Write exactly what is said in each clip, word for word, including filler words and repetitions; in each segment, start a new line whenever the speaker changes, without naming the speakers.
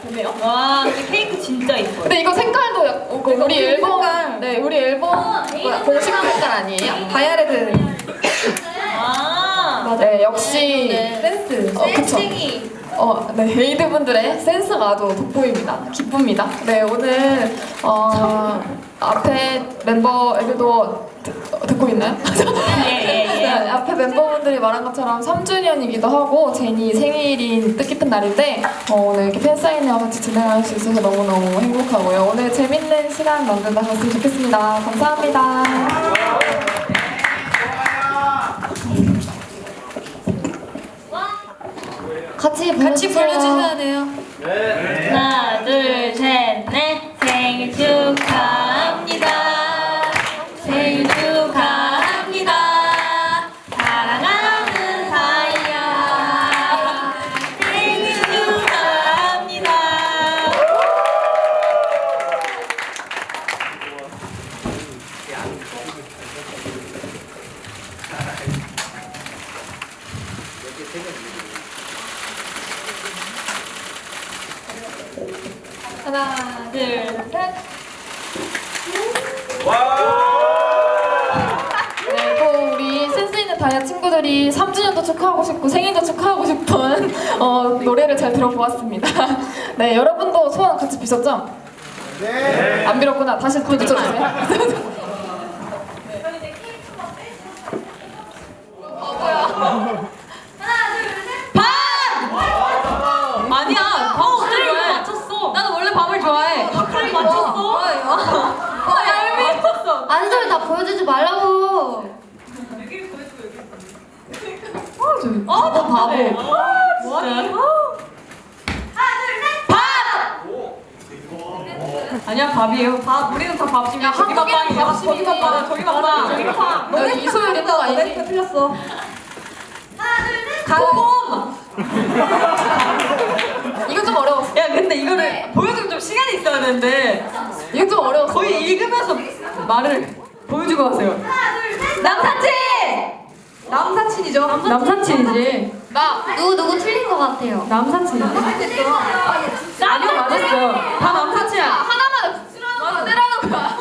보네요. 와, 근데 케이크 진짜 이뻐요.
근데 이거 색깔도 약- 어, 그 우리 앨범 색깔. 네, 우리 앨범 뭐야, 공식 색깔 아니에요? 다이아레드.
아,
네, 역시
센스.
어, 그쵸. 어, 네, 에이드 분들의 센스가 아주 돋보입니다. 기쁩니다. 네, 오늘 어, 앞에 멤버 애들도 듣, 듣고 있나요? 네, 앞에 멤버분들이 말한 것처럼 삼 주년이기도 하고 제니 생일인 뜻깊은 날인데 어, 오늘 이렇게 팬사인회와 같이 진행할 수 있어서 너무너무 행복하고요. 오늘 재밌는 시간 만들다 갔으면 좋겠습니다. 감사합니다. 같이 같이 불러주셔야 돼요.
네. 하나, 둘, 셋, 넷. 생일 축하합니다. 생일 축하합니다. 사랑하는 사이야. 생일 축하합니다. 하나, 둘, 셋.
네, 또 우리 센스 있는 다이아 친구들이 삼 주년도 축하하고 싶고 생일도 축하하고 싶은 어, 노래를 잘 들어보았습니다. 네, 여러분도 소원 같이 비셨죠? 네. 안 빌었구나. 다시 또 비춰주세요.
아니야, 밥 어떻게 좋아해? 맞췄어. 나도 원래 밥을 좋아해. 밥을 맞췄어. 뭐야 이거? 어, 얄미 맞췄어.
아는 소리 다 보여주지 말라고.
아, 나 바보. 뭐하니? 아니야, 밥이에요. 밥. 우리는 다 밥집이야. 저기가 빵이야. 저기가 빵. 저기가 빵. 저기가 빵.
너 이소율 있는 거 아니지?
네, 틀렸어. 곰.
이거 좀 어려웠어.
야, 근데 이거를 보여주면 좀 시간이 있어야 되는데
이거 좀 어려웠어.
거의 읽으면서 말을 보여주고 하세요. 남사친. 남사친이죠. 남사친이지.
나
누구 누구 틀린 것 같아요.
남사친. 아니요, 맞았어요. 다 남사친이야.
하나만 맞아 때라는 거야.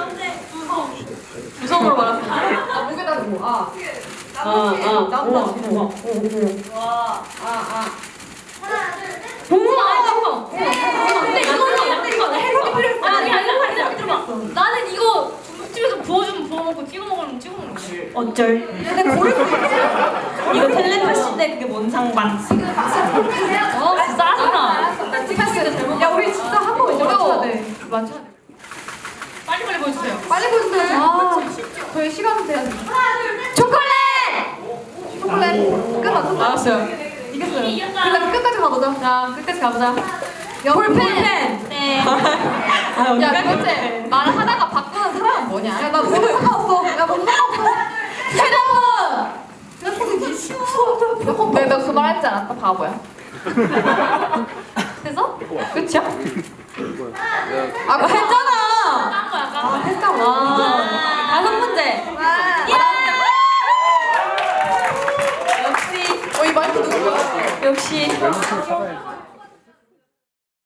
구성으로 말았어.
아, 목에다 대고. 아.
아, 아,
남사친.
와,
아, 아.
봉숭아, 봉숭아. 근데 이거는 이거 해석이 필요했어.
아니 아니 아니 아니 들어봐. 나는 이거 중국집에서 부어주면 부어 먹고 찍어 먹으면 찍어 먹는 거지.
어쩔. 근데 고를 이거 텔레파시인데 그게 뭔 상관?
어 짜증나.
야, 우리 진짜 한 번 어려워. 맞춰야 돼.
빨리 빨리 보여주세요.
빨리 보여주세요. 아, 저희 시간은 돼야 돼.
초콜릿.
초콜릿. 끝났어.
알았어요.
이겼어요.
이겼다.
그래, 끝까지 가보자. 자, 끝까지 가보자.
볼펜.
네.
아, 언니가
야, 도대체 말하다가 바꾸는 사람은 뭐냐? 야, 나 몸에 상관없어. 야, 몸에 상관없어. 휴대폰! 네, 너 그 말 했지 않았다, 바보야.
그래서
끝이야? 아, 회전